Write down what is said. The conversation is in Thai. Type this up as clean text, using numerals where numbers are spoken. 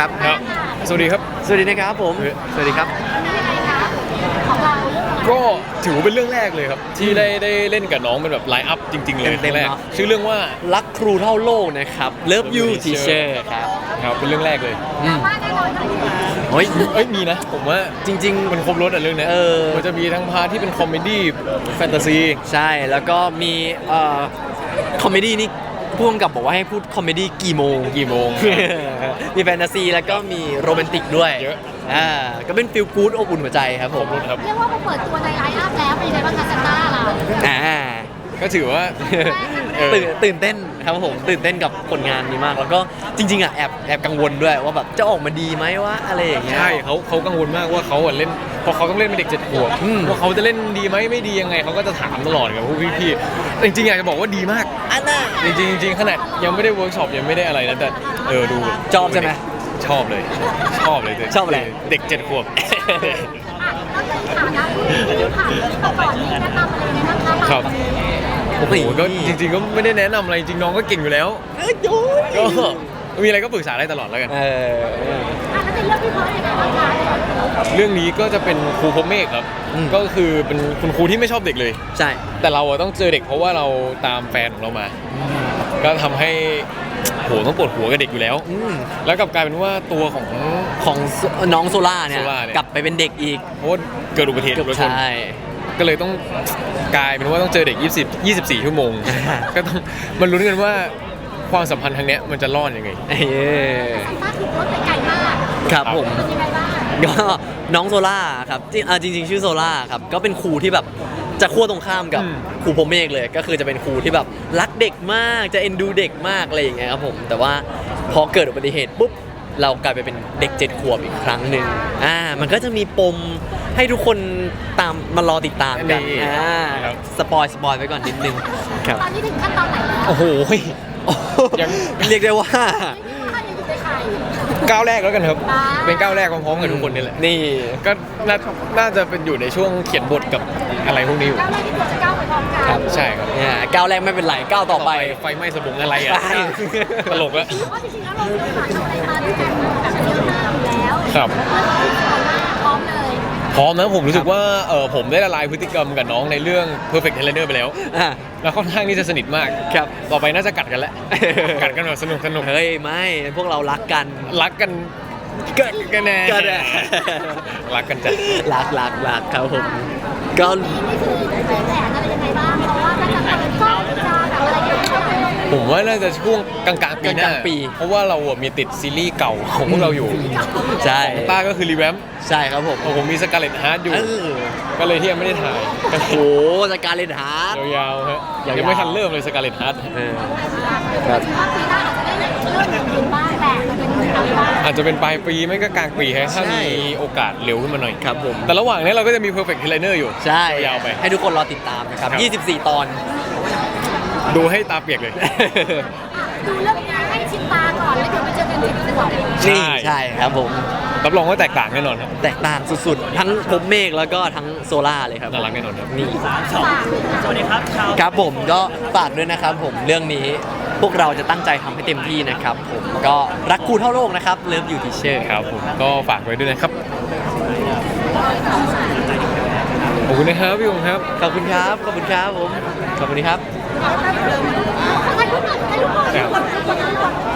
ครับครับสวัสดีครับสวัสดีนะครับผมสวัสดีครับก็ถือว่าเป็นเรื่องแรกเลยครับที่ได้เล่นกับน้องเป็นแบบไลฟ์อัพจริงๆเลยเต็มๆแรกเนาะชื่อเรื่องว่ารักครูเท่าโลกนะครับ Love You Teacher ครับครับเป็นเรื่องแรกเลยเฮ้ยเอ้ยมีนะผมว่าจริงมันครบรถอ่ะเรื่องเนี้ย มันจะมีทั้งพาร์ทที่เป็นคอมเมดี้แฟนตาซีๆ ใช่แล้วก็มีคอมเมดี้นี่พ่วงกับบอกว่าให้พูดคอมเมดี้กี่โมง มีแฟนตาซีแล้วก็มีโรแมนติกด้วยเยอะก็เป็นฟิลกู๊ดอบอุ่นหัวใจครับผมครับเรียกว่าพอเปิดตัวในไลน์อัพแล้วเป็นยังไงบ้างคะซันต้าล่ะอ่าก็ถือว่าตื่นเต้นครับผมตื่นเต้นกับผลงานนี้มาก แล้วก็จริงๆอ่ะแอบกังวลด้วยว่าแบบจะออกมาดีไหมว่าอะไรอย่างเงี้ยใช่เขากังวลมากว่าเขาเล่นพอเขาต้องเล่นเป็นเด็ก7 ขวบว่าเขาจะเล่นดีไหมไม่ดียังไงเขาก็จะถามตลอดกับพวกพี่ๆจริงๆอยากจะบอกว่าดีมากอันน่ะจริงๆขนาดยังไม่ได้เวิร์กช็อปยังไม่ได้อะไรนะแต่ดูชอบใช่ไหมชอบเลยชอบเลยชอบอะไรเด็ก7 ขวบอ่ะก็เลยถามนะที่ผ่านมาก่อนนี้แนะนำอะไรยังไงบ้างคะครับโอ้โหก็จริงๆก็ไม่ได้แนะนำอะไรจริงน้องก็เก่งอยู่แล้วก็มีอะไรก็ปรึกษาได้ตลอดแล้วกันอ่ะแล้วเป็นเรื่องที่เพราะยังไงบ้างคะเรื่องนี้ก็จะเป็นครูพรหมเมฆครับก็คือเป็นคุณครูที่ไม่ชอบเด็กเลยใช่แต่เราอะต้องเจอเด็กเพราะว่าเราตามแฟนของเรามา ก็ทำให้โหต้องปวดหัวกับเด็กอยู่แล้ว แล้วกลับกลายเป็นว่าตัวของของน้องโซล่าเนี่ยโซล่าเนี่ยกลับไปเป็นเด็กอีกเพราะว่าเกิดอุบัติเหตุรถชนใช่ก็เลยต้องกลายเป็นว่าต้องเจอเด็ก24 ชั่วโมง ก็ต้องมาลุ้นกันว่าความสัมพันธ์ทางเนี้ยมันจะรอดยังไงซันต้าถูกรถไปไกลมากครับผมเป็นยังไงบ้างก็น้องโซล่าครับจริงๆชื่อโซล่าครับก็เป็นครูที่แบบจะขั้วตรงข้ามกับครูพรหมเมฆเลยก็คือจะเป็นครูที่แบบรักเด็กมากจะเอ็นดูเด็กมากอะไรอย่างเงี้ยครับผมแต่ว่าพอเกิดอุบัติเหตุปุ๊บเรากลายไปเป็นเด็ก7 ขวบอีกครั้งหนึ่งมันก็จะมีปมให้ทุกคนตามมารอติดตามกันครับสปอยไว้ก่อนนิดนึงครับตอนนี้ถึงขั้นตอนไหนแล้วโอ้โหยังเรียกได้ว่าถ้ายังอยู่ในไข่ก้าวแรกแล้วกันครับอ่าเป็นก้าวแรกพร้อมๆกับทุกคนนี่แหละนี่ก็น่าจะเป็นอยู่ในช่วงเขียนบทกับอะไรพวกนี้อยู่ก้าวแรกที่ควรจะก้าวไปพร้อมกันครับใช่ครับเนี่ยก้าวแรกไม่เป็นไรก้าวต่อไปไฟไหม้สบงอะไรอ่ะใช่ตลกอะเพราะจริงๆแล้วเราผ่านอะไรมาด้วยกันแบบเยอะมากอยู่แล้วครับพร้อมเลยพร้อมนะผมรู้สึกว่าผมได้ละลายพฤติกรรมกับน้องในเรื่อง Perfect Trainer ไปแล้วอ่ะแล้วค่อนข้างที่จะสนิทมากครับต่อไปน่าจะกัดกันแล้ว กัดกันแบบสนุกเฮ้ยไม่พวกเรารักกันรักกันกันแน่ก็ได้รักกันจัดรักครับผมก็นี่คือเป็นแผนอะไรยังไงบ้างเพราะว่าถ้าจะเปิดกล้องจะแบบอะไรอย่างเงี้ยผมว่าน่าจะช่วงกลางๆปีหน้ากลางๆปีเพราะว่าเราอะมีติดซีรีส์เก่าของพวกเราอยู่ใช่ของต้าก็คือรีแวมใช่ครับผมผมมีสกาเลตฮาร์ดอยู่เออก็เลยที่ยังไม่ได้ถ่ายก็โอ้โหจากการเล่นฮาร์ดยาวๆฮะยาวๆยังไม่ทันเริ่มเลยสกาเลตฮาร์ดครับว่าปีหน้าอาจจะได้เริ่มยืนบ้างแต่จะเป็นอะไรบ้างอาจจะเป็นปลายปีไม่ก็กลางปีฮะถ้าใช่มีโอกาสเร็วขึ้นมาหน่อยครับผมแต่ระหว่างนี้เราก็จะมี Perfect Trainer อยู่ใช่ยาวไปให้ทุกคนรอติดตามนะครับครับ 24 ตอนดูให้ตาเปียกเลยดูเรื่องนี้ให้ชินตาก่อนแล้วเดี๋ยวไปเจอกันที่สองใช่นี่ใช่ครับผมรับรองว่าแตกต่างแน่นอนครับแตกต่างสุดๆ ทั้งพรหมเมฆแล้วก็ทั้งโซล่าเลยครับน่ารักแน่นอนครับนี่สวัสดีครับชาวครับผมก็ฝากด้วยนะครับผมเรื่องนี้พวกเราจะตั้งใจทำให้เต็มที่นะครับผมก็รักครูเท่าโลกนะครับเลิฟอยู่ทีเชอร์ครับผมก็ฝากไว้ด้วยนะครับ ขอบคุณนะครับพี่องครับขอบคุณครับขอบคุณครับผมขอบคุณครับถ่ายรูปก่อนถ่ายรูปก่อน